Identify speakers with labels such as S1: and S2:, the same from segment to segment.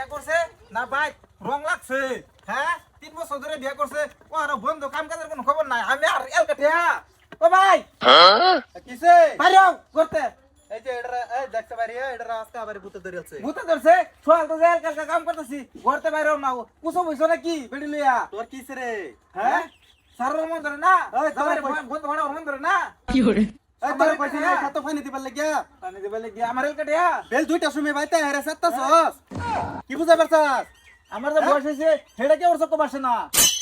S1: বিয়া করছে না ভাই রং লাগছে হ্যাঁ 3 বছর ধরে বিয়া করছে ও আর বন্ধু কাম কাজের কোনো খবর নাই আমি আর এলকাটিয়া ও ভাই
S2: কিসে
S1: বাইরে করতে
S2: এই যে এই দেখতে পারি এটা রাস্তা আবার ভূতে ধরেছে
S1: ভূতে ধরছে সোয়াল তো জেল কালকা কাম করতেছি ঘরতে বাইরে না কুসো বইছো নাকি বেড়ি লইয়া
S2: তোর কিসে রে
S1: হ্যাঁ সারর মন ধরে না
S2: ওই তোমার
S1: বন্ধু ভাড়া মন ধরে না
S3: কি করে
S2: এই তোর কইছি না কত ফানি দিবার লাগিয়া
S1: পানি দিবে লাগি আমার এলকাটিয়া
S2: বেল দুইটা সময় বাইতে হেরে সাতটাছস কি বুঝা পারছস
S1: আমার যে বয়স হইছে হেডা কে ওর চক্ক বাসে না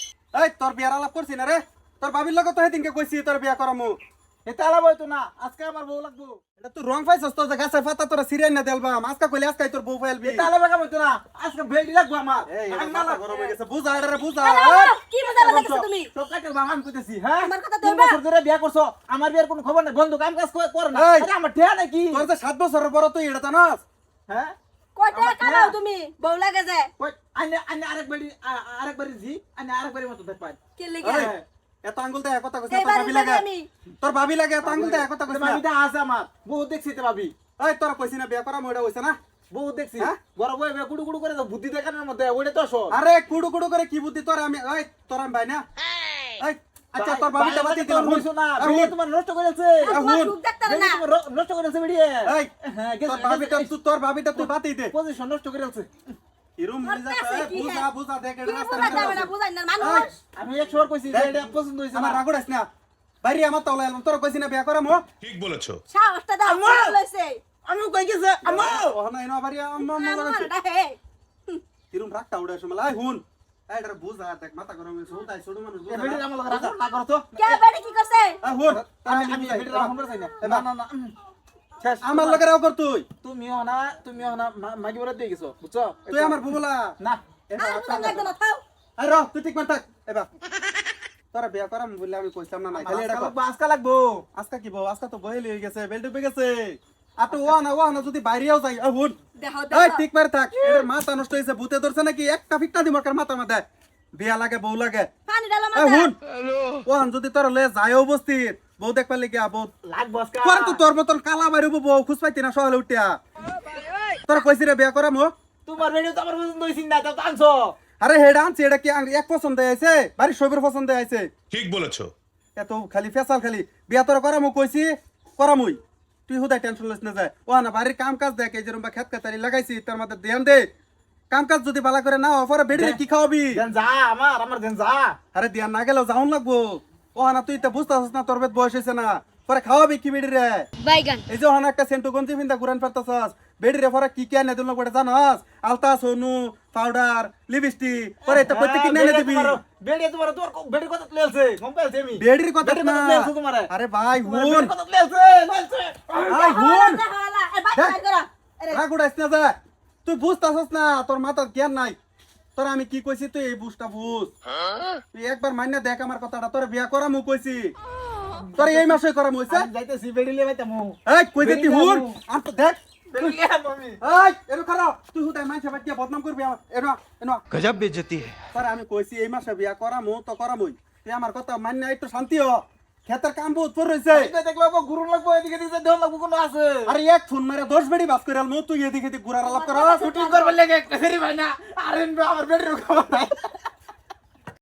S2: এই তোর বিয়ার আলাপ করছি না রে তোর ভাবির লগে তো সেদিনকে কইছি তোর বিয়া করামু
S1: এটা আলাপ হইতো না আজকে আমার বউ লাগবো
S2: এটা তুই রং পাইছস তো যে গাছের পাতা তোরা সিরিয়াল না দেলবাম আজকে কইলে আজকে তোর বউ ফাইলবি
S1: এটা আলাপ কাম হইতো না আজকে বেড়ি লাগবো আমার
S2: এই
S1: আমি
S2: মাথা
S1: না
S2: গরম হয়ে গেছে বুঝা এটা বুঝা
S4: কি বুঝাবে লাগছো তুমি
S1: তো কাটের বাবা আমি কইতেছি হ্যাঁ
S4: আমার কথা
S1: 3
S4: ধরবা?
S1: বছর ধরে বিয়া করছো আমার বিয়ার কোনো খবর নাই বন্ধু কাম কাজ করে না
S2: এই!
S1: আরে আমার ঠেয়া নাকি
S2: তোর যে 7 বছরের বড় তুই এটা জানাস
S1: হ্যাঁ
S4: কয়টা কানাও তুমি বউ লাগে যায়
S1: কই আনে আরেকবারই জি আরেকবারই মতো দেখ পাই
S4: কে লাগি
S2: এই, এত আঙ্গুল দেয় কথা কইছ তোর
S4: এইবার
S2: ভাবি লাগে
S4: আমি
S2: তোর ভাবি লাগে এত আঙ্গুল দেয় কথা কইছ
S1: তুমি এটা আছে আমার বহুত দেখছি তো ভাবি
S2: এই তোর কইছি না বিয়া করামু এটা হইছে না
S1: বহুত দেখছি
S2: হ্যাঁ?
S1: বড় বই গুড়ু গুড়ু করে তো বুদ্ধি দেখানোর মধ্যে ওইটা তো সব
S2: আরে কুড়ু কুড়ু করে কি বুদ্ধি তোর আমি এই তোর আমি ভাই না এই আচ্ছা তোর ভাবিটা বাতি দিলাম
S1: হইছো না
S2: এই,
S1: বিয়ে
S2: হুন।
S1: তোমার নষ্ট করেছে
S4: তোমার
S2: হুন।
S4: সুখ দেখতারে
S1: বিয়ে
S4: না
S1: তোমার নষ্ট করেছে বিয়ে
S2: এই
S1: হ্যাঁ
S2: তোর ভাবিটা তুই বাতি দে
S1: পজিশন নষ্ট করেছে
S2: হিরুম
S4: তোর
S2: মিজা
S4: কাছে কি
S2: বুঝা
S4: হ্যাঁ?
S2: বুঝা দেখ
S4: কি
S2: এটা রাস্তা
S4: বুঝাতে হবে না বুঝাই না মানুষ
S1: আমি 100 বার কইছি যে এটা পছন্দ হইছে
S2: আমার
S1: আমার
S2: রাগুড়াস না বাইরে আমার তাওলা এলাম তোর কইছি না বিয়া করামু
S5: ঠিক বলেছো
S4: সাহসটা দাও
S1: আম্মা!
S4: লইছে
S1: আমি কই গেছে আমা
S2: ও না এনো বাড়ি আম্মা
S4: আমার হে
S2: হিরুম রাখটা উড়ে সময় আই হুন এই এটা বুঝা দেখ মাথা গরম হইছে হুদাই ছোট মানুষ
S1: এ বেটি
S2: বুঝা
S1: আমার লাগা রাখো না করো তো
S4: কে বেড়ি কি করছে
S2: আই হুন
S1: আমি বেটি রাখো না চাই না না না শেষ
S2: আমার লগে রাও কর তুই
S1: তুমিও না মাগি বলে দিয়ে গেছো বুঝছো
S2: তুই আমার বুবলা
S1: না
S4: আর বুঝান লাগতো না থাও
S2: আই র তুই ঠিক মান থাক এবা তোরা বিয়া করাম বললে আমি কইতাম না খালি এটা কর।
S1: আজকা লাগবো
S2: আজকা কি বউ আজকা তো বহেলি হয়ে গেছে বেল ডুবে গেছে আর তো ও না যদি বাইরেও যাই হুন
S4: দেখো
S2: এই
S4: দেখো
S2: ঠিক মারে থাক এর মাথা নষ্ট হইছে ভূতে ধরছে নাকি একটা ফিটটা দিমর কার মাথা মাথা বিয়া লাগে বউ লাগে
S4: পানি ডালো
S2: এই
S4: মাথা
S2: হুন ওহান যদি তোর লয়ে যায় উপস্থিত বউ দেখ পারলে গিয়া বউ
S1: লাগবো আজকা
S2: পরে তো তোর মতন কালা বাড়িব বউ খুশ পাইতি না সকালে উঠিয়া তোর কইছি রে বিয়া করাম
S1: তোমার বেটি তো আমার পছন্দ হইছিস না তো আনছো
S2: আরে হেডা আনছি এটা কি এক পছন্দ আইছে বাড়ি সবের পছন্দ আইছে
S5: ঠিক বলেছো
S2: এত খালি ফেসাল খালি বিয়া তোর করামু কইছি করামুই তুই হুদাই টেনশন লইস না যায় ও না বাড়ির কাম কাজ দেখ এই যেরকম বা খেত কাতারি লাগাইছি তার মধ্যে ধ্যান দে কাম কাজ যদি বালা করে না পরে বেড়ে কি খাওয়াবি
S1: দেন যা আমার দেন যা
S2: আরে ধ্যান না গেলেও যাওন লাগবো ও না তুই তো বুঝতেছিস না তোর বেদ বয়স হয়েছে না পরে খাওয়াবি কি বেড়ি রে
S4: বাইগান
S2: এই যে ওখানে একটা সেন্টু গঞ্জি ফিন্দা ঘুরান ফেরতাছস বেড়ি রে পরে কি কি আনে দিল বড় জানাস আলতা সোনু পাউডার লিপস্টিক পরে তো প্রত্যেক কি এনে দিবি
S1: বেড়ি তোমার তোর বেড়ির কথা লেলছে কম পাইছে আমি
S2: বেড়ির কথা
S1: বেড়ির
S2: না
S1: কথা লেলছে তোমারে
S2: আরে ভাই হুন
S1: বেড়ির কথা লেলছে
S2: আই হুন
S4: দেখো আলা এ বাইগান করো আরে
S2: রাগুড়াইস না যা তুই বুঝতাছস না তোর মাথার জ্ঞান নাই তোর আমি কি কইছি তুই এই বুঝটা বুঝ তুই একবার মাইনা দেখ আমার কথাটা তোর বিয়া করামু কইছি তোর এই মাসে করামু হইছে
S1: আমি যাইতেছি বেড়ি লে বাইতামু
S2: এই কই দে তুই হুন আর তো দেখ
S1: বেড়ি লে আমি
S2: এই এনো খারাপ তুই হুদাই মাইনছে বাদ দিয়া বদনাম করবি আমার এনো
S3: गजब बेइज्जती है
S2: তোর আমি কইছি এই মাসে বিয়া করামু তো করামুই তুই আমার কথা মাইনা একটু শান্তি হ খেতের কাম বহুত পর রইছে
S1: এটা দেখলো গুরু লাগবো এদিকে দিকে দেহ লাগবো কোন আছে
S2: আরে এক ফোন মারে 10 বেড়ি বাস করে আলমু তুই এদিকে ঘুরার আলাপ কর
S1: শুটিং করবার লাগে একটা ফেরি ভাই না আরে আমার বেড়ির খবর নাই